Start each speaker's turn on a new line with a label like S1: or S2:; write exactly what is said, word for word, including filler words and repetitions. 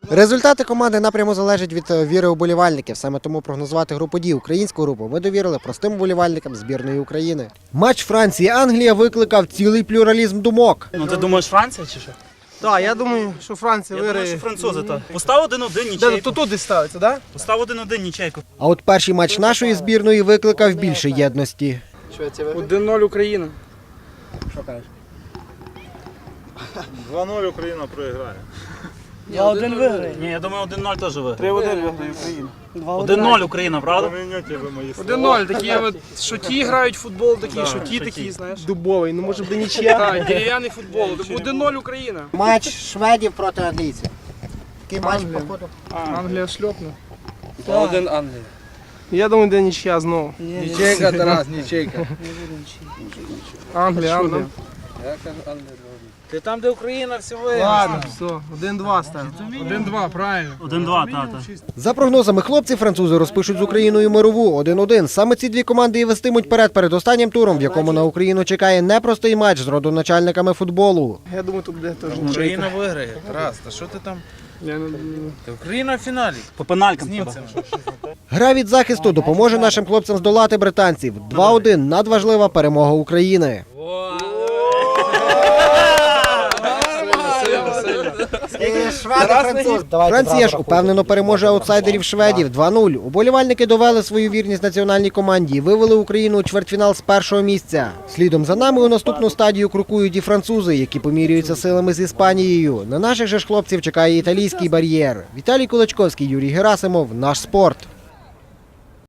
S1: Результати команди напряму залежать від віри уболівальників. Саме тому прогнозувати групу «Ді» українську групу ми довірили простим уболівальникам збірної України. Матч Франції-Англія викликав цілий плюралізм думок.
S2: Ну ти думаєш Франція чи що?
S3: Так, я думаю, що Франція
S2: Я думаю,
S3: виграє.
S2: що французи так. Постав один-один нічейку.
S3: Тут туди ставиться, так?
S2: Постав один-один нічейку.
S1: А от перший матч нашої збірної викликав більше єдності.
S3: один нуль Україна. Що кажеш?
S4: два нуль Україна проіграє.
S2: Я один виграю. Ні, я думаю, один-нуль теж виграє.
S3: три один виграє Україна.
S2: один-нуль Україна, правда?
S4: Поміняйте ви мої слова.
S3: один нуль, такі от, що ті грають в футбол, такі, що ті такі, знаєш. Дубовий, ну може бути нічия. Так, дерев'яний футбол. один нуль Україна.
S1: Матч шведів проти англійців. Такий матч,
S3: Англія.
S1: походу.
S3: Англія шльопне.
S5: два один Англія.
S3: Я думаю, де нічия знову.
S5: Нічейка, Тарас, нічейка.
S3: Англія, Англія.
S5: Я кажу Англія.
S6: Ти там, де Україна, все виграє.
S3: Ладно, все, один два ставимо. один два, правильно.
S2: один-два, тата.
S1: За прогнозами хлопців, французи розпишуть з Україною мирову один один. Саме ці дві команди і вестимуть перед перед останнім туром, в якому на Україну чекає непростий матч з родоначальниками футболу.
S3: Я думаю, тут буде теж нічийка.
S6: Україна виграє. Тарас, та що ти там?
S3: Я не...
S6: Та Україна в фіналі.
S2: По пеналькам.
S1: Гра від захисту допоможе нашим хлопцям здолати британців. два один – надважлива перемога України. Франція ж упевнено переможе аутсайдерів шведів два нуль. Уболівальники довели свою вірність національній команді і вивели Україну у чвертьфінал з першого місця. Слідом за нами у наступну стадію крокують і французи, які помірюються силами з Іспанією. На наших же ж хлопців чекає італійський бар'єр. Віталій Кулачковський, Юрій Герасимов, Наш спорт.